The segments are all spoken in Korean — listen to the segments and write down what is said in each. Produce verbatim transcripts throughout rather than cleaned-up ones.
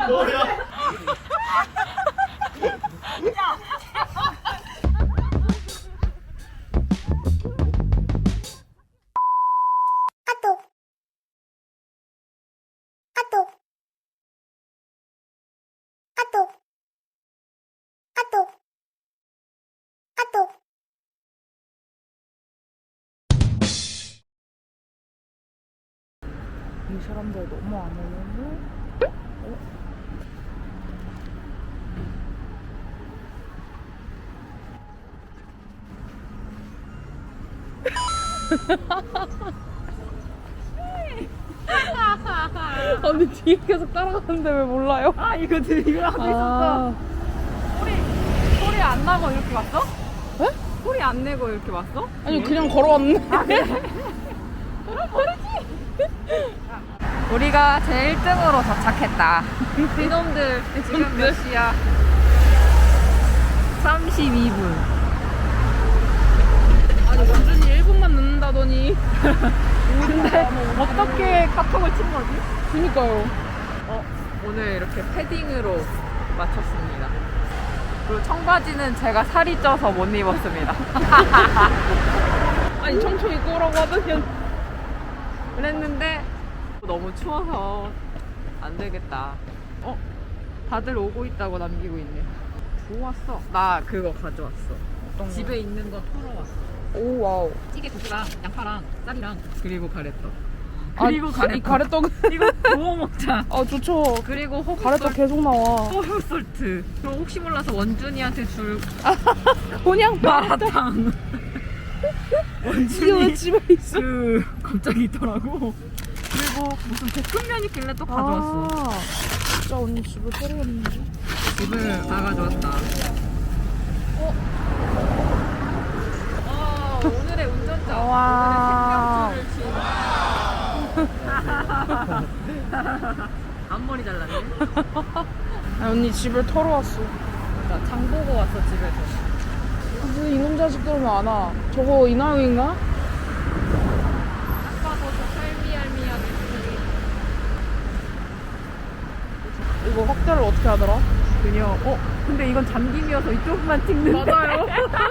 뭐야? 이 사람들 너무 안 오면은 어? 언니 뒤에 계속 따라가는데 왜 몰라요? 아 이거 지금 이거 하고 있었어. 소리 소리 안 나고 이렇게 왔어? 에? 소리 안 내고 이렇게 왔어? 아니 그냥 걸어왔는데. 우리가 제 일 등으로 도착했다. 이놈들 지금 몇 시야? 삼십이 분. 아니 완전히 일 분만 늦는다더니. 근데 어떻게 카톡을 친 거지? 그니까요. 어, 오늘 이렇게 패딩으로 마쳤습니다. 그리고 청바지는 제가 살이 쪄서 못 입었습니다. 아니 청청 입고 오라고 하더니. 그랬는데 너무 추워서 안 되겠다. 어? 다들 오고 있다고 남기고 있네. 좋았어. 나 그거 가져왔어. 어떤 거? 집에 있는 거 털어왔어. 오 와우. 찌개 국수랑 양파랑 쌀이랑 그리고 가래떡. 아, 그리고 가래떡. 이 가래떡. 이거 구워 먹자. 아 좋죠. 그리고 호흡 가래떡 계속 나와. 호흡 솔트. 그럼 혹시 몰라서 원준이한테 줄 그냥 마라탕. 이게 왜 원준이 집에 있어? 그 갑자기 있더라고. 그리고 무슨 볶음면 있길래 또 가져왔어. 아, 진짜 언니 집을 털어갔는데. 집을 다 가져왔다. 어? 아, 오늘의 운전자. 와. 오늘의 생명줄을 쥔. 앞머리 잘랐네. 아, 언니 집을 털어왔어. 나 장 보고 왔어, 집에서. 무슨 이놈 자식들 왜 안 와? 저거 이나영인가? 아까도 저 할미할미하게 소리. 이거 확대를 어떻게 하더라? 그녀. 어? 근데 이건 잠김이어서 이쪽만 찍는데. 맞아요.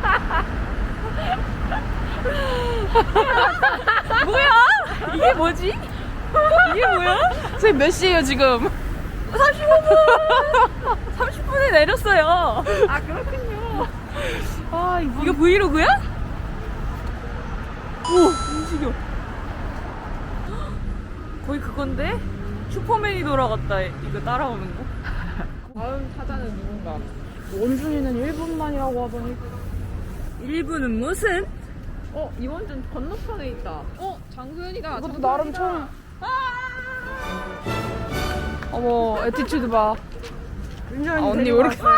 뭐야? 이게 뭐지? 이게 뭐야? 선생님 몇 시에요 지금? 삼십오 분! 삼십 분에 내렸어요. 아, 그렇군요. 아 이거 이거 브이로그야? 오, 움직여. 거의 그건데? 슈퍼맨이 돌아갔다. 이거 따라오는 거? 다음 타자는 누군가? 원준이는 일 분만이라고 하더니 일 분은 무슨? 어, 이원준 건너편에 있다. 어, 장소연이다. 이것도 나름 처음. 어머 애티튜드 봐. 아, 언니 왜 이렇게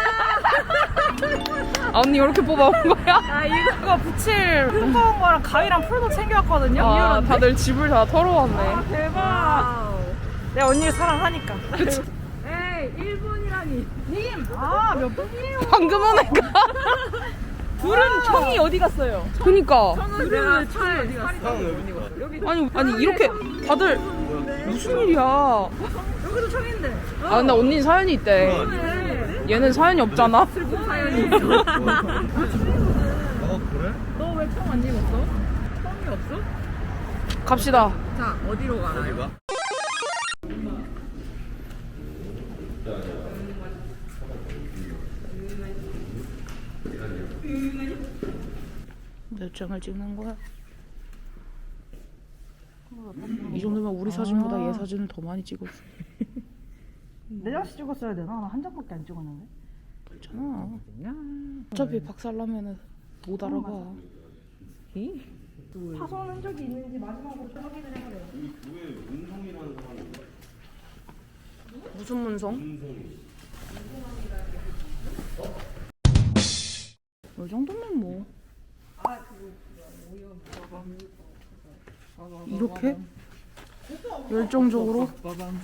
아 언니 이렇게 뽑아온 거야? 아, 이거 붙일 두꺼운 거랑 가위랑 풀도 챙겨왔거든요. 아 이유런데? 다들 집을 다 털어왔네. 아, 대박. 내가 언니를 사랑하니까. 에이, 일 분이라니. 님! 아, 몇 분이에요? 방금 온 애가. 둘은 총이 어디 갔어요? 그니까. 총은 내가 차에 어디 갔어? 여기 아니 아니 이렇게 다들 무슨 일이야? 여기도 총인데. 아 근데 언니 사연이 있대. 네. 얘는 사연이 없잖아. 슬픈 사연이 있어. 어 그래? 너 왜 총 안 입었어? 총이 없어? 갑시다. 자, 어디로 가나요? 어디가? 몇 장을 찍는 거야? 이 정도면 우리 사진보다 얘 사진을 더 많이 찍었어. 네 장씩 찍었어야 되나? 나 한 장밖에 안 찍었는데. 괜찮아. 어차피 박살나면은 못 알아봐. 파손 흔적이 있는지 마지막으로 좀 확인을 해보래요. 이 구에 문성이라는 사람이 있나? 무슨 문성? 문성이. 이 정도면 뭐. 이렇게? 열정적으로?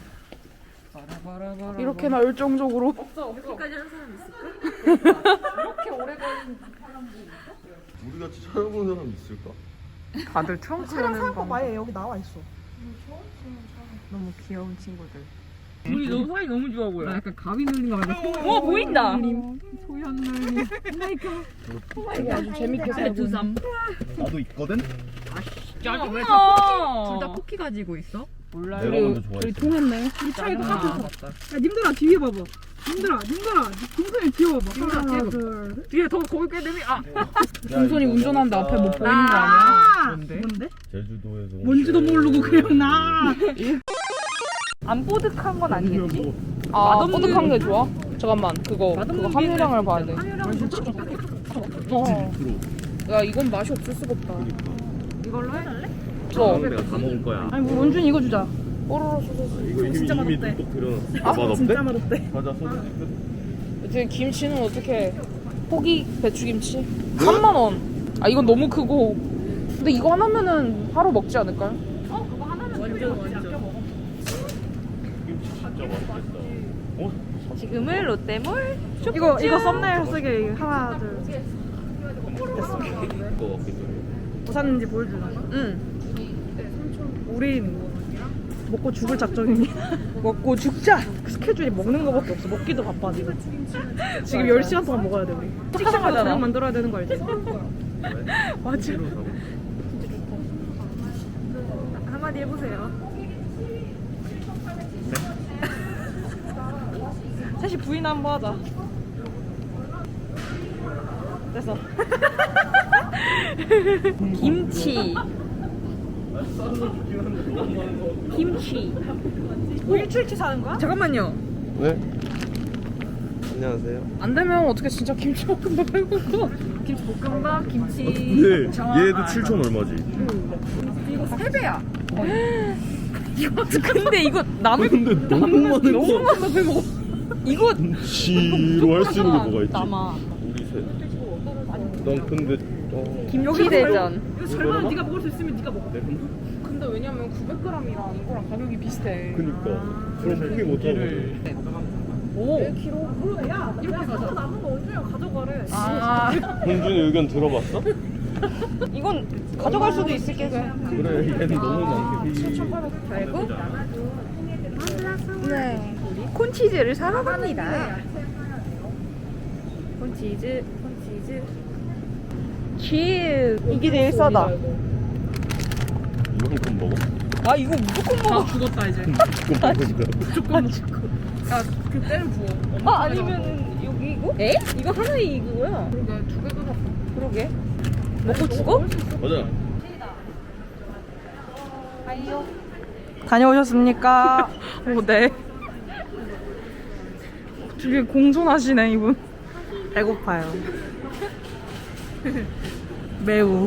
이렇게나 열정적으로? 여기까지 한 사람 있을까? 이렇게 오래 걸린 우리 같이 촬영본 사람 있을까? 다들 트렁크 차량 내는 사용법 방 아예 여기 나와 있어. 너무 귀여운 친구들. 우리 너무 사이 너무 좋아 보여. 나 약간 가위 눌린 거 같아. 와 보인다. 소연 눌림. 이게 아주 재밌게 살고 있는. 두삼. 나도 있거든? 짜증나. 둘 다 쿠키 가지고 있어? 몰라. 내가 먼저 좋아했어. 통했네. 이 차이 똑같은 거. 맞다. 야, 님들아 뒤에 봐봐. 님들아, 님들아, 동선이 뒤에 봐봐. 하나, 둘, 셋. 뒤에 더 거기 꽤 되면 아. 동선이 운전하는데 앞에 뭐 보이는 거 아니야? 아, 뭔데? 뭔데? 제주도에서 온 뭔지도 게- 모르고 그냥 나. 안 뽀득한 건 아니겠지? 아, 맛없는- 뽀득한 게 좋아? 잠깐만, 그거, 맛없는 그거 함유량을 봐야 돼. 함유량 어. 프로. 야, 이건 맛이 없을 수가 없다. 이걸로 해달래? 저, 내가 다 먹을 거야. 아니, 우리 원준 이거 주자. 뽀로로 소스. 이거 이미 진짜 이미 맛없대. 눈독 들여놨어. 아, 맛 없대? 진짜 맛없대. 과자 소주 찍고. 이제 김치는 어떻게 포기 배추김치? 삼만 원. 아, 이건 너무 크고. 근데 이거 하나면은 하루 먹지 않을까요? 완전 완전. 김치 진짜 맛있겠다. 어? 지금은 롯데몰 쇼핑 이거 중. 이거 썸네일 쓰게 하나, 둘, 셋. 이거 같기도 해. 뭐 샀는지 보여주는 거야? 응. 우린 먹고 죽을 작정이니. 먹고 죽자. 스케줄이 먹는 거밖에 없어. 먹기도 바빠 지금. 지금 열 시간 동안 먹어야 돼 우리. 식사마다 저녁 만들어야 되는 거 알지? 맞아. 새로 사고. 한마디 해보세요. 셋이 부인 한번 하자. 됐어. 김치. 김치. 뭐 일주일치 사는 거야? 잠깐만요. 네. 안녕하세요. 안 되면 어떻게 진짜 김치볶음밥 해먹어? 김치볶음밥, 김치. 근데 얘도 칠천 얼마지? 이거 세 배야. 이거 근데 이거 남을 근데 너무 많은 너무 거. 많아 배 먹어. 이거 김치로 할 수 있는 게 뭐가 있지? 남아. 우리 셋. 난 근데 어. 김치 대전. 이거 설마 네가 먹을 수 있으면 네가 먹어. 네, 근데 근데 왜냐면 구백 그램이랑 이거랑 가격이 비슷해. 그니까 그럼 포기 못 하거든. 오. 야, 이렇게 가져. 남은 거 원준이가 가져가래. 아. 현준이 의견 들어봤어? 이건 가져갈 수도 있을 게. 그래 얘는 너무 많지. 결국 네 콘치즈를 사러 갑니다. 콘치즈, 콘치즈. 치즈. 이게 제일 싸다. 이만큼 먹어? 아 이거 무조건 먹어. 죽었다 이제. 그거 먹는다. 야, 그때는 부어. 아 아니면 여기 이거? 에? 이거 하나에 이거야. 그러게 두 개도 샀어. 그러게. 먹고 죽어? 맞아. 다녀오셨습니까? 오, 네. 되게 공손하시네 이분. 배고파요. 매우.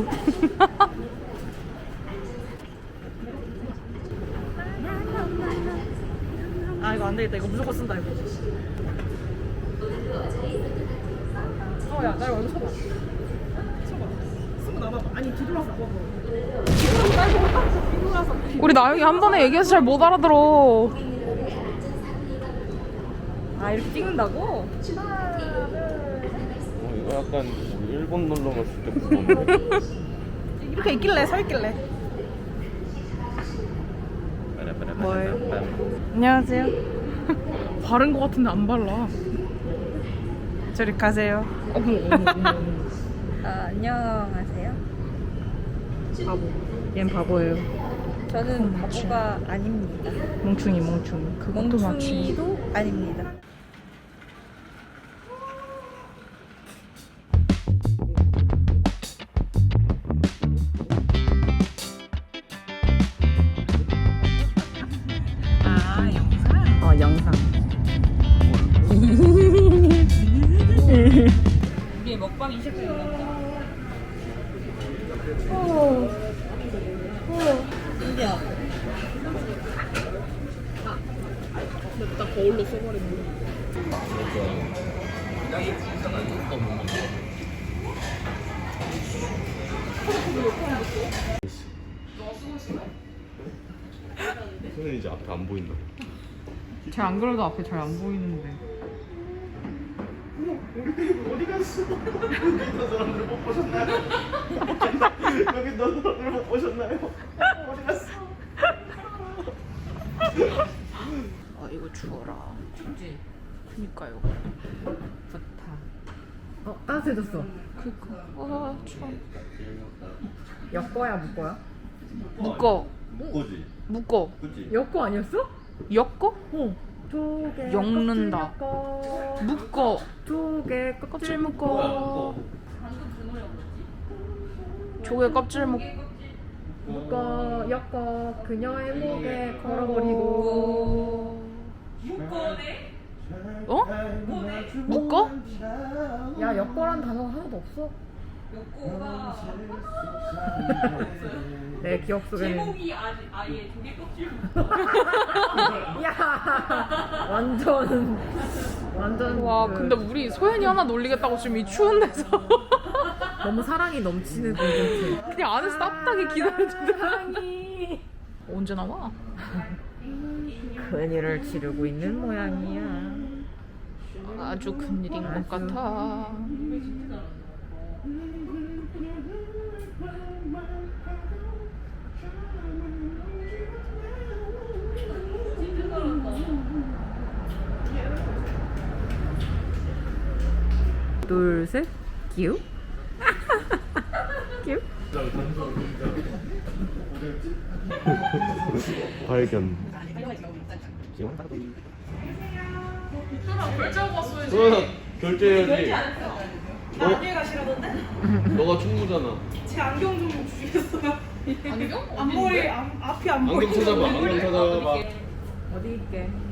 아 이거 안 되겠다. 이거 무조건 쓴다 이거. 어야 나 이거 쳐봐. 쳐봐. 쓰고 나봐봐. 아니 뒤돌아서 봐봐. 뒤돌아서. 우리 나영이 한 번에 얘기해서 잘 못 알아들어. 아 이렇게 찍는다고? 어, 이거 약간 우리 일본 놀러 갔을 때 그건데. 이렇게 있길래 서 있길래. 뭐예요? 안녕하세요. 바른 거 같은데 안 발라. 저리 가세요. 어머 어머 어머. 아, 안녕하세요. 바보. 얜 바보예요. 저는 바보가 아닙니다. 멍충이 멍충이. 그것도 맞지. 멍충이도 아닙니다. 아 영상. 어 영상. 우리의 먹방이 시작됩니다. 신기하다. 나 거울로 써버렸네. 손은 이제 앞에 안 보인다. 잘 안 그래도 앞에 잘 안 보이는데. 어디 갔어? 여기 있는 사람들 못 보셨나요? 여기 있는 사람들 못 보셨나요? 어디 갔어? 아 이거 추워라. 춥지? 그니까요. 좋다. 어 따뜻해졌어. 그니까. 아 추워. 엮어야 묶어야? 묶어. 묶어지. 묶어. 그치? 엮어 아니었어? 엮어? 어. 조개 엮는다. 껍질 엮어. 묶어. 조개 껍질 껍질 묶어. 뭐야, 묶어. 조개 껍질 묶. 묶어 엮어 그녀의 목에 걸어버리고. 어? 묶어? 야 엮어란 단어가 하나도 없어. 내 기억 속에는 제목이 아니, 아예 조개 껍질 야 완전 완전 와 그 근데 우리 소연이 하나 놀리겠다고 지금 이 추운 데서 너무 사랑이 넘치는 콘텐츠. 그냥 안에서 따뜻하게 기다려주더라. 사랑이 언제 나와? 큰일을 치르고 있는 모양이야. 아주 큰일인 것 아주. 같아. 둘, 셋, 기우. 기우. 발견. 결제하고 왔어야지. 소연아 결제해야지. 나 안녕히 가시라던데? 너가 충무잖아. 제 안경 좀 주시겠어요? 안경? 앞머리 앞, 앞이 안 보이는 안경 찾아봐. 안경 찾아봐. 어디 있게?